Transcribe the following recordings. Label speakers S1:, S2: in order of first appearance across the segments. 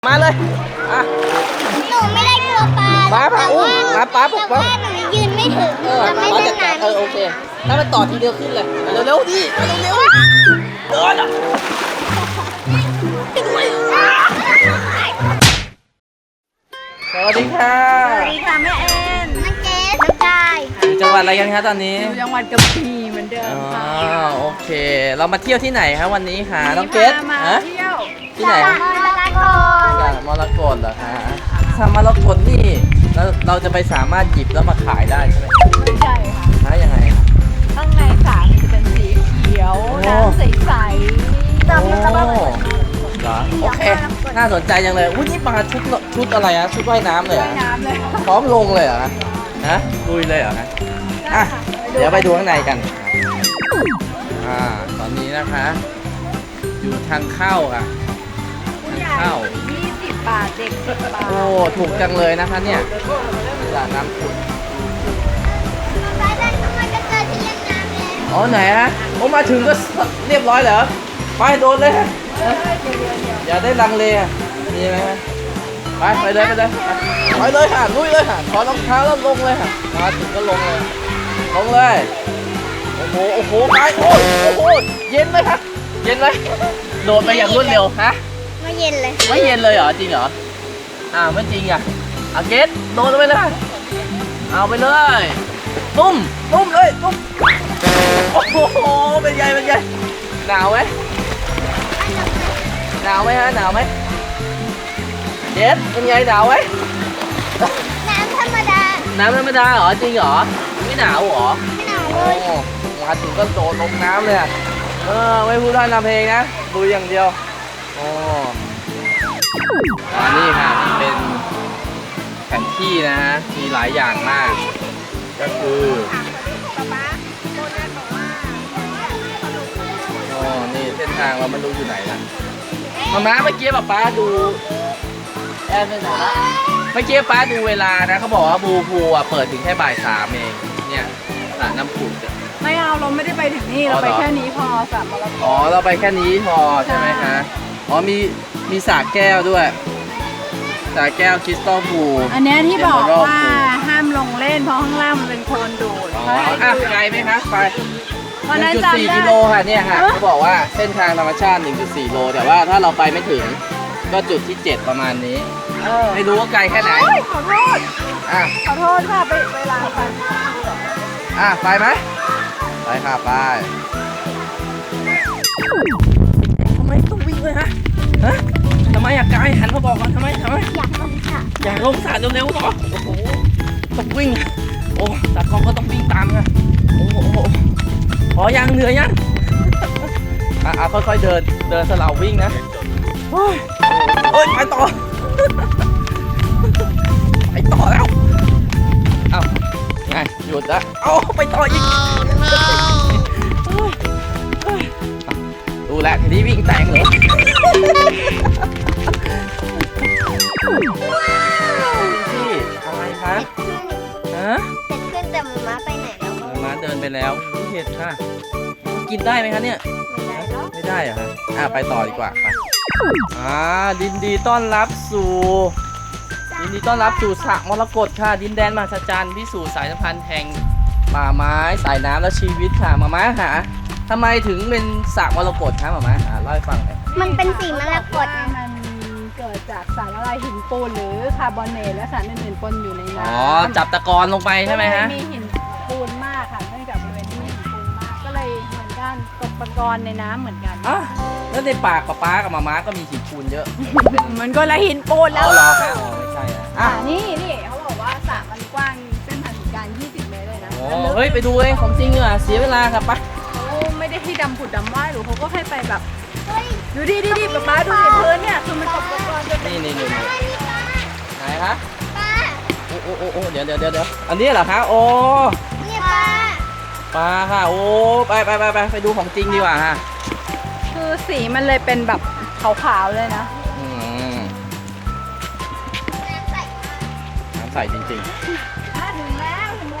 S1: มาเลยอ่ะ
S2: หนูไม่ได้กลัวปลา
S1: ป้าอุ้มป้าปลุกป้า
S2: หนูยืนไม่ถึงจะไม่
S1: ป้า
S2: ได้
S1: จัดการ
S2: นาน
S1: โอเคถ้ามันต่อทีเดียวขึ้นเลยเร็วๆดิเร็วๆเดินอ่ะสวัสดีค่ะ
S3: สวัสดีค่ะแม่แอน
S2: น้องเกสน้องกาย
S1: อยู่จังหวัดอะไรกันคะตอนนี้
S3: อยู่จังหวัดกระบี่เหมือนเดิมค่ะ
S1: โอเค เรามาเที่ยวที่ไหนคะวันนี้คะน้องเกส
S3: มา
S1: ฮะ
S3: เที่ยว
S1: ที่ไหน
S2: มรกต
S1: มรกตเหรอคะมรกตนี่เราจะไปสามารถหยิบแล้วมาขายได้ใช่ไหม
S3: ไม่ใช่ค่ะ
S1: หายังไง
S3: ข้างในสระจะเป็นสีเขียว
S1: โอ้
S3: น้ำใส
S1: โอ้เหรอโอเค น่าสนใจจังเลยอุ้ยนี่มาชุดอะไรอะชุดว่ายน้ำเลย
S3: ๆ
S1: เหร
S3: ว่าย
S1: อะ
S3: น้ำเลย
S1: พร้อมลงเลยเหรอฮะลุยเลยเหรอฮะอ่ะเดี๋ยวไปดูข้างในกันตอนนี้นะคะ อยู่ทางเข้าค่ะ
S3: ผู้ใหญ่
S1: เข้า
S3: 20 บาทเด็ก10 บาท
S1: โอ้ถูกจังเลยนะคะเนี่ยสระน้ำขุ่น
S2: ไปเล่นทำไมก็เจอที่เล่นน้ำเลย
S1: อ๋อไหนฮะโอ้มาถึงก็เรียบร้อยเหรอไปโดนเลยฮะอย่าได้ลังเลอ่ะมีไหมฮะไปเลยไปเลยค่ะลุยเลยค่ะถอดรองเท้าแล้วลงเลยค่ะมาถึงก็ลงเลยลงเลยโอ้โหไปโอ้ยเย็นไหมครับเย็นไหมโดดไปอย่างรวดเร็วฮะ
S2: ไม่เย็นเลย
S1: ไม่เย็นเลยเหรอจริงเหรอไม่จริงอ่ะเอาเกตโดดไปเลยเอาไปเลยตุ้มเลยตุ้มโอ้โหเป็นไงหนาวไหมฮะหนาวไหมเกตเป็นไงหนาวไหม
S2: น้ำธรรมดา
S1: น้ำธรรมดาเหรอจริงเหรอไม่หนาวเหรอ
S2: ไม่หนาวเล
S1: โอ้
S2: ย
S1: มาถึงก็โดดลงน้ำเลยอะไม่พูดได้นำเพลงนะดูอย่างเดียวโอ้นี่ค่ะนี่เป็นแผนที่นะฮะมีหลายอย่างมาก ก็คือโอ้นี่เส้นทางเราไม่รู้อยู่ไหนนะมาเมื่อกี้ป๊าดูแอนไปไหนละเมื่อกี้ป๊าดูเวลานะเขาบอกว่าบูพูเปิดถึงแค่บ่าย 3เองเนี่ยสระน้ำผุด
S3: ไม่เอาเราไม่ได้ไปถึงนี่เราไปแค่นี้พอสระมรกต
S1: อ๋อเราไปแค่นี้พอใช่ไหมคะอ๋อมีสระแก้วด้วยสระแก้วคริสตัลพูล
S3: อันเนี้ยที่บอกว่าห้ามลงเล่นเพราะข้างล่างมันเป็นโคลนดูด
S1: อ๋อไกลไหมคะไป
S3: วันนั้นจำได้
S1: 1.4 กิโลค่ะเนี่ยค่ะเขาบอกว่าเส้นทางธรรมชาติ 1.4 โลแต่ว่าถ้าเราไปไม่ถึงก็จุดที่ 7 ประมาณนี้ไม่รู้ว่าไกลแค่ไหน
S3: ขอโทษ
S1: อ่ะ
S3: ขอโทษค่ะไปเวลาไป
S1: ไปไหมไปค่ะไปทำไมต้องวิ่งเลยฮะทำไมอยากไกลหันมาบอกก่อนทำไม
S2: อยากลงสระ
S1: อยากลงสระเร็วๆเหรอโอ้โหต้องวิ่งโอ้ตากล้องก็ต้องวิ่งตามนะโอ้โหพอยังเหนื่อยยังค่อยๆเดินสลับวิ่งนะเฮ้ยไปต่อแล้วเอ้าไงหยุดละไปต่ออีกดูแลทีนี้วิ่งแตกเลยพี่อะไรคะฮะ
S2: เสร็จขึ้นแต่หมูม้าไปไหนแล้วก็
S1: มาเดินไปแล้วเห็ดค่ะกินได้ไหมคะเนี่ย
S2: ไม่ได้แล้ว
S1: ไม่ได้เหรอฮะไปต่อดีกว่าไปยินดีต้อนรับสู่สระมรกตค่ะดินแดนมหัศจรรย์พิสูจน์สายสัมพันธ์แห่งป่าไม้สายน้ำและชีวิตค่ะมาค่ะทำไมถึงเป็นสระมรกตคะมาเล่าให้ฟังหน่อย
S2: มันเป็นสีมรกต
S3: มันเกิดจากสารละลายหินปูนหรือคาร์บอเนตและสารอื่นๆปนอยู่ในน้ำ
S1: จับตะกอนลงไปใช่ไหมฮะ
S3: มีหินปูนมากค่ะเนื่องจากบริเวณที่มีหินปูนมากก็เลยเหมือนกันตกตะกอนในน้ำเหมือนกัน
S1: แล้วในปากป๊ากับมาก็มีหินปูนเยอะ
S3: มันก็ละหินปูนแล้ว
S1: เหรอครับไม่ใช่นะ
S3: นี่เขาบอกว่าสระมันกว้างเส้นผ่านศูนย์กลาง20 เมตรเลยนะ
S1: เฮ้ยไปดูเองของจริงเหรอเสียเวลาครับปะ
S3: เขาไม่ได้ให้ดำผุดดำว่ายหรือเขาก็ให้ไปแบบดูดิป๊าดูในพื้นเนี่ยคือมันตกตะกอนจนเป็น
S1: นี่ไหนคะ
S2: ป้า
S1: โอ้เดี๋ยวอันนี้เหรอคะโอ้
S2: เนี่ยป้า
S1: ปลาค่ะโอ้ไปดูของจริงดีกว่าฮะ
S3: คือสีมันเลยเป็นแบบขาวๆเลยนะ
S1: น้ำใสจริง
S3: ถึงแล้ว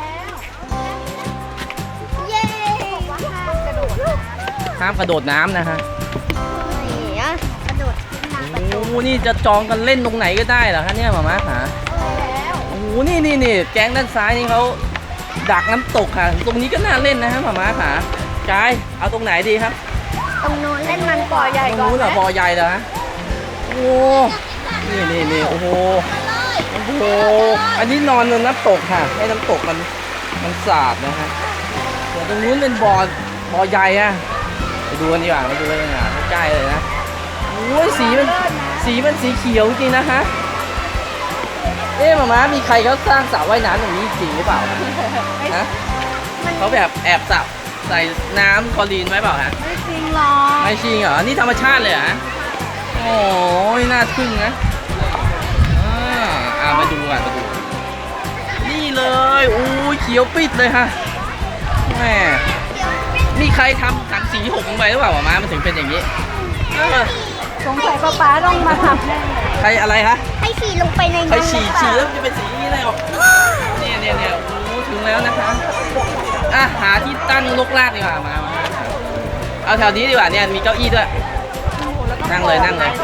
S2: เย้บอกว่าห้ามกระโดด
S1: ๆห้ามกระโดดน้ำนะฮะ
S2: กระโดดขึ้นน้ำไป
S1: โอ้โอ้โหนี่จะจองกันเล่นตรงไหนก็ได้เหรอคะเนี่ยหมาม้าขาโอ้โหนี่แก๊งด้านซ้ายนี่เขาดักน้ำตกค่ะตรงนี้ก็น่าเล่นนะฮะหมาม้าขากายเอาตรงไหนดีครับ
S2: ตรงนู้นเล่นมัน
S3: บ่อใหญ่
S1: ตรง
S3: ก่อน
S1: นู้นเหรอ
S3: ไหม
S1: บ่อใหญ่เหรอฮะโอ้นี่โอ้โหโอ้โหอันนี้นอนบนน้ำตกค่ะให้น้ำตกมันสาดนะฮะส่วนตรงนู้นเป็นบ่อใหญ่อะไปดูกันดีกว่าไปดูกันดีกว่าใกล้ๆเลยนะโอ้ยสีมันสีเขียวจริงนะคะหมาม้ามีใครเขาสร้างสระว่ายน้ำตรงนี้จริงหรือเปล่าฮะเขาแบบแอบสระใส่น้ำคลอรีนไว้เปล่าฮะ
S3: ไม่จริงหรอก
S1: ไม่จริงเหรอนี่ธรรมชาติเลยเหรอโอ้ยน่าทึ่งนะมาดูกันมาดูนี่เลยโอ้ยเขียวปิดเลยค่ะแม่มีใครทำถังสีหกลงไปหรือเปล่าหมาม้ามันถึงเป็นอย่างนี้
S3: สงสัยป๊าต้องมาทำแน่เลย
S1: ใครอะไรคะ
S2: ให้ฉี่ลงไปใน
S1: ใคร
S2: นั้น
S1: ฉี่แล้วมันจะเป็นสีนี้เลยหรอเนี่ยโอ้ถึงแล้วนะคะหาที่ตั้งลกลากดีกว่ามาเอาแถวนี้ดีกว่าเนี่ยมีเก้าอี้ด้วยนั่งเลย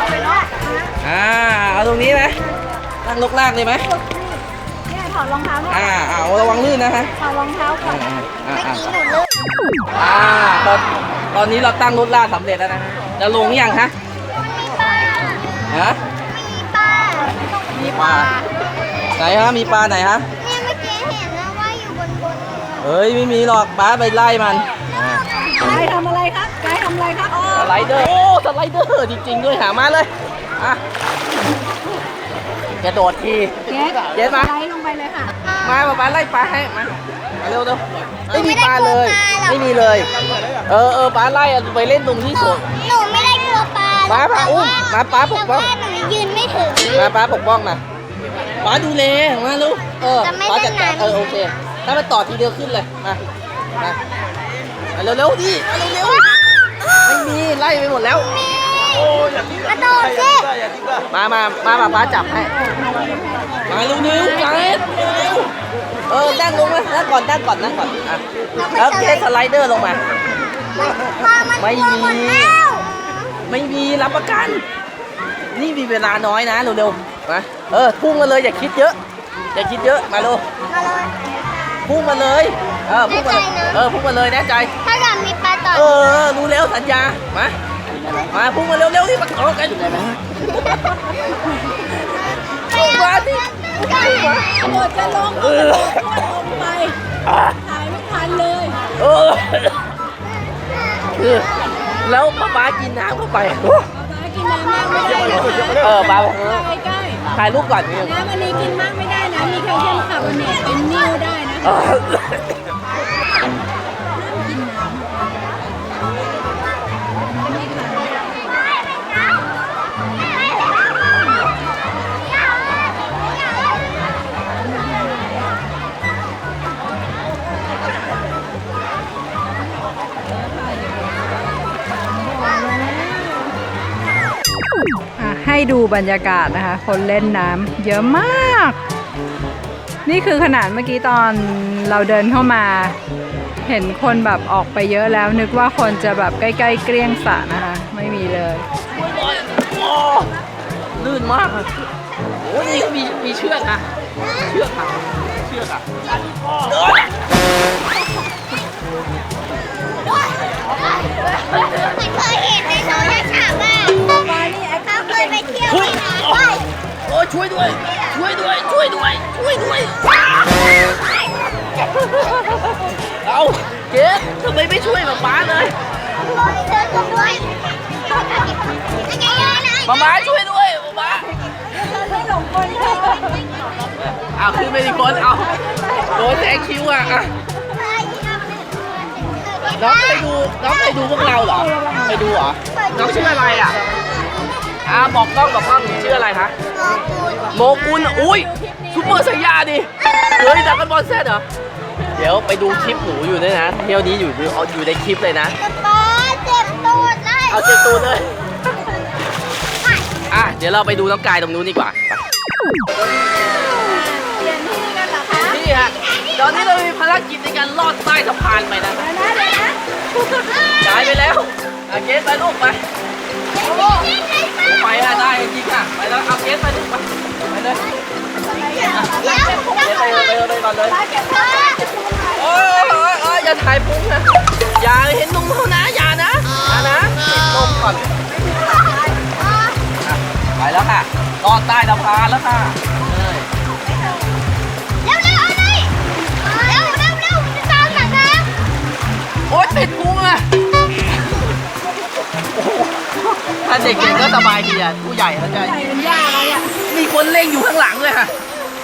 S1: เอาตรงนี้ไหมตั้งลกลากเลยไหม
S3: เนี่ยถอดรองเท้าด้วย
S1: เอาระวังลื่นนะฮะ
S3: ถอดรองเท้าก่อน
S2: เมื่อกี้หนูลื่น
S1: ตอนนี้เราตั้งรถลากสำเร็จแล้วนะจะลงหรือยังฮะ ฮะ
S2: มีปลา
S1: ไหนฮะมีปลาไหนฮะ
S2: เนี่ยเมื่อกี้เห็นนะว่าอยู่บน
S1: เฮ้ยไม่มีหรอกป้าไปไล่มัน
S3: กายทำอะไรครับกายทำอะไรครับ
S1: สไลเดอร์โอ้สไลเดอร์จริงๆด้วยหามาเลยกระโดดที เจ๊มา
S3: ไล่ลงไปเลยค่ะ
S1: มาป้าไล่ปลาให้มาเร็วไม่มีปลาเลยไม่มีเลยป้าไล่ไปเล่นตรงที่สวน
S2: หนูไม่ได้กลัวปลา
S1: ป้าอุ้มมาป้าปกป้อง
S2: แต่ว่าหนูยืนไม่ถึง
S1: มาป้าปกป้องมาป้าดูแลมาลูก
S2: จะไม่
S1: ป้าจัดการ
S2: เล่นน้ำ
S1: โอเคถ้ามันต่อทีเดียวขึ้นเลยมาเร็วดิเร็วไม่มีไล่ไปหมดแล้ว
S2: กระโดดสิ
S1: มาป้าจับให้มาเร็วกันนั่งลงมานั่งก่อนแล้วเทสไลเดอร์ลงมา
S2: พอมัน
S1: ไม่
S2: กลัว
S1: มี
S2: หมดแล้ว
S1: ไม่มีรับประกัน นี่มีเวลาน้อยนะเร็วๆมาพุ่งมาเลยอย่าคิดเยอะมาเร็ว
S2: มาเลย
S1: พุ่งมาเลยพุ่งมาพุ่งมาเลยแน่ใจ
S2: ถ้าเกิดมีปลาต่อ
S1: รู้แล้วสัญญามาพุ่งมาเร็วๆนี่มาต่อกันอยู่ไหนมาพุ่งมาดิ
S3: หมดจะลงก็ลงไปถ่ายไม่ทันเลย
S1: แล้วป้ากินน้ำเข้าไป
S3: ป๊ากินน้ำมากไม่ได้นะคะ
S1: ป้า
S3: ใกล้
S1: ถ่ายรูปก่อน
S3: ๆน้ำวันนี้กินมากไม่ได้นะ มีแคลเซียมคาร์บอเนตเป็นนิ่วได้นะ ให้ดูบรรยากาศนะคะ คนเล่นน้ำเยอะมาก นี่คือขนาดเมื่อกี้ตอนเราเดินเข้ามา เห็นคนแบบออกไปเยอะแล้ว นึกว่าคนจะแบบใกล้ๆเกลี้ยงสระนะคะ ไม่มีเลย
S1: ลื่นมากโอ้ยนี่ก็มีเชือกอะเชือกอะ
S2: ไม่เคยเห็นในโทรศัพท์อ่ะเขาเคยไปเที่ยวที่ไหนไป
S1: โอ้ช่วยด้วยเอาเจ๊ทำไมไม่ช่วยป๊าเลย
S2: เดินกันด้วย
S1: ม้าช่วยด้วยม้า
S3: ไม่หลงกลเธอ
S1: ขึ้นไปอีกคนโดนแซงคิวน้องเคยดูพวกเราเหรอเคยดูเหรอน้องชื่ออะไรบอกกล้องชื่ออะไรคะโมกุลอุ้ยซุปเปอร์ไซยาดิเฮ้ยดักกันบอลเซตเหรอเดี๋ยวไปดูคลิปหนูอยู่ด้วยนะเที่ยวนี้อยู่ในคลิปเลยนะ
S2: ป้าเจ็บตูดเลย
S1: เอาเจ็บตูดเลยเดี๋ยวเราไปดูน้องกายตรงนู้นดีกว่า
S3: เปลี่ยนที่กันเหรอคะ
S1: นี่ฮะตอนนี้เรามีภารกิจในการลอดใต้สะพานไปนะ
S3: เดี๋ยวนะ
S1: กายไปแล้วเกสไปลูกไป
S2: เจ๊
S1: ไปอะได้จริงอะไปแล้วเอาเกสไปดิไปเลยเกสไปเลยก่อนเลยโอ้ยอย่าถ่ายพุงนะอย่าเห็นนมเขานะอย่านะปิดนมก่อนไปแล้วค่ะรอดใต้สะพานแล้วค่ะโอ๊ยติดพุงอะถ้าเด็กเก่งก็สบายดีอ่ะผู้ใหญ่เขาจะมีคนเล่งอยู่ข้างหลังเลยค่ะ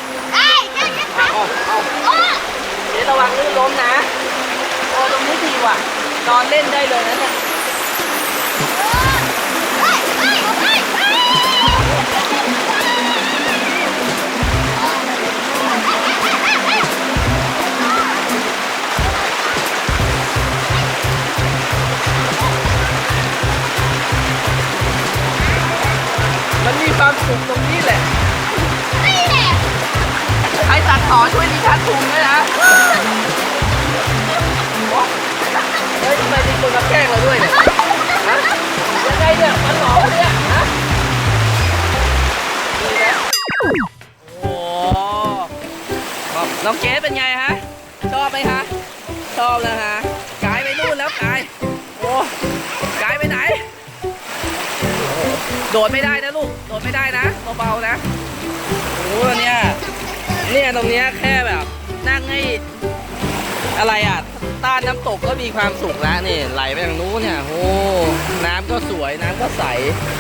S1: เดี๋ยวระวังลื่นล้มนะโอ้ตรงนี้ดีว่ะนอนเล่นได้เลยนะเนี่ยมันมีความสุขตรงนี้แหละใครตัดต่อช่วยดิฉันถุงด้วยนะเฮ้ยทำไมมีคนมาแกล้งเราด้วยเนี่ยฮะยังไงเนี่ยมันหลอกเนี่ยฮะดีนะโอ้น้องเกสเป็นไงฮะชอบไหมฮะชอบนะฮะกายไปนู่นแล้วกายโอ้กายไปไหนโดดไม่ได้นะลูกโดดไม่ได้นะเบาๆนะโอ้เนี่ยตรงเนี้ยแค่แบบนั่งให้อะไรอ่ะต้านน้ำตกก็มีความสุขแล้วนี่ไหลไปทางนู้นเนี่ยโอ้น้ำก็สวยน้ำก็ใส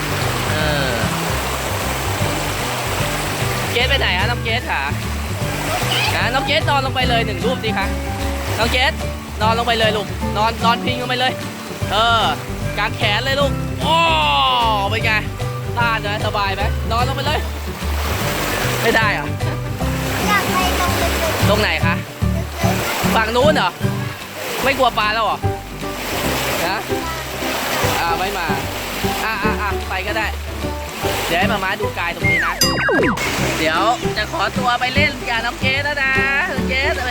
S1: เกสไปไหนฮะน้องเกสค่ะน้องเกสนอนลงไปเลย1 รูปสิคะน้องเกสนอนลงไปเลยลูกนอนพิงลงไปเลยกางแขนเลยลูกโอ้เป็นไงต้านนะสบายไหมนอนลงไปเลยไม่ได้เหรอตรงไหนคะฝั่งนู้นเหรอไม่กลัวปลาแล้วเหรอนะไม่มาไปก็ได้เดี๋ยวให้มาดูกายตรงนี้นะเดี๋ยวจะขอตัวไปเล่นกับน้องเกสแล้วนะน้องเกส